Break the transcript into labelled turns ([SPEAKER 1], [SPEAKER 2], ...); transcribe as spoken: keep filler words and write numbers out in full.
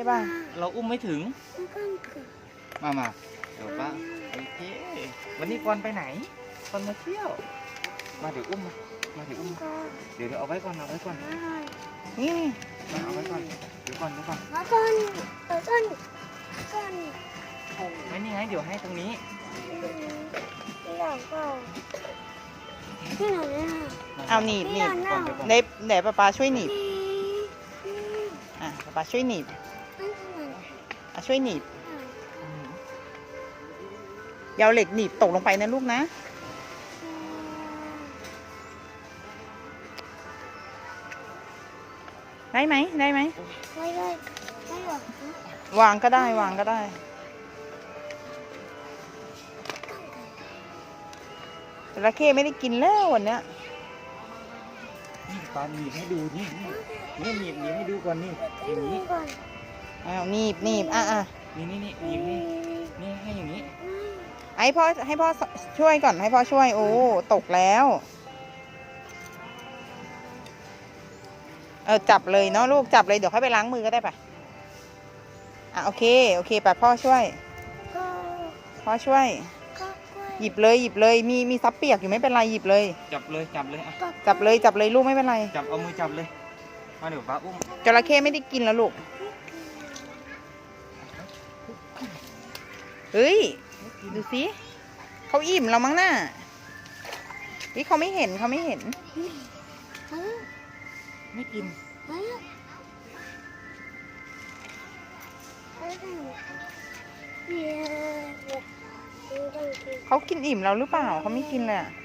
[SPEAKER 1] ป่ะ
[SPEAKER 2] เราอุ้มไม่ถึงมามาเดี๋ยวป้าโอเควันนี้กอนไปไหนกอนมาเที่ยวมาเดี๋ยวอุ้มมามาเดี๋ยวอุ้มมาเดี๋ยวเดี๋ยวเอาไว้ก่อนเอาไว้ก่อน
[SPEAKER 1] นี่
[SPEAKER 2] มาเอาไว้ก่อนเดี๋ยวก่อนเดี๋ยวก่อน
[SPEAKER 3] มาก่อนเดี๋ยวก่อนก่อน
[SPEAKER 2] ไม่นี่ไงเดี๋ยวให้ตรงนี้
[SPEAKER 3] ที่หลังก่อนที่ไหนอ่ะ
[SPEAKER 1] เอาหนีบหนีบ
[SPEAKER 2] ก่อนเดี๋ยวก่อน
[SPEAKER 1] เดี๋ยวเดี๋ยวป๊าป๊าช่วยหนีบอ่ะป๊าป๊าช่วยหนีบอ่ะช่วยหนีบอยาวเหล็กหนีบตกลงไปนะลูกนะได้ไหมได้ไหม
[SPEAKER 3] ไม่ได้ไม่หรอก
[SPEAKER 1] วางก็ได้วางก็ได้จระเข้ไม่ได้กินแล้ววันเนี้ย
[SPEAKER 2] นี่ปาหนีบให้ดูนี่นี่หนีบหนีบให้ดูก่อนนี่อย่างนี้
[SPEAKER 3] ก่อน
[SPEAKER 1] อ้าวหนีบหนีบอ่ะอ่ะ
[SPEAKER 2] นี่นี่นี่หนีบนี่นี่ให้อย่างนี้
[SPEAKER 1] ให้พ่อให้พ่อช่วยก่อนให้พ่อช่วยโอ้ตกแล้วเออจับเลยเนาะลูกจับเลยเดี๋ยวค่อยไปล้างมือก็ได้ปะอ่ะโอเคโอเคไปพ่อช่วย
[SPEAKER 3] ก็
[SPEAKER 1] พ่อช่วย
[SPEAKER 3] ก็กล้วย
[SPEAKER 1] หยิบเลยหยิบเลยมีมีซับเปียกอยู่ไม่เป็นไรหยิบเลย
[SPEAKER 2] จับเลยจับเลยอ่ะ
[SPEAKER 3] ก็
[SPEAKER 1] จับเลยจับเลยลูกไม่เป็นไร
[SPEAKER 2] จับเอามือจับเลยมาเดี๋ยวป้าอุ้ม
[SPEAKER 1] จระเข้ไม่ได้กินแล้วลูกเฮ้ยดูสิเขาอิ่มเรามั้งน่ะนี่เขาไม่เห็นเขาไม่เห็น
[SPEAKER 3] เฮ้ย
[SPEAKER 2] ไม่กิน
[SPEAKER 3] เฮ้ยเฮ้ยเดี๋ยวเดี๋ยวต้องกิน
[SPEAKER 1] เขากินอิ่มเราหรือเปล่าเขาไม่กินเลยอะ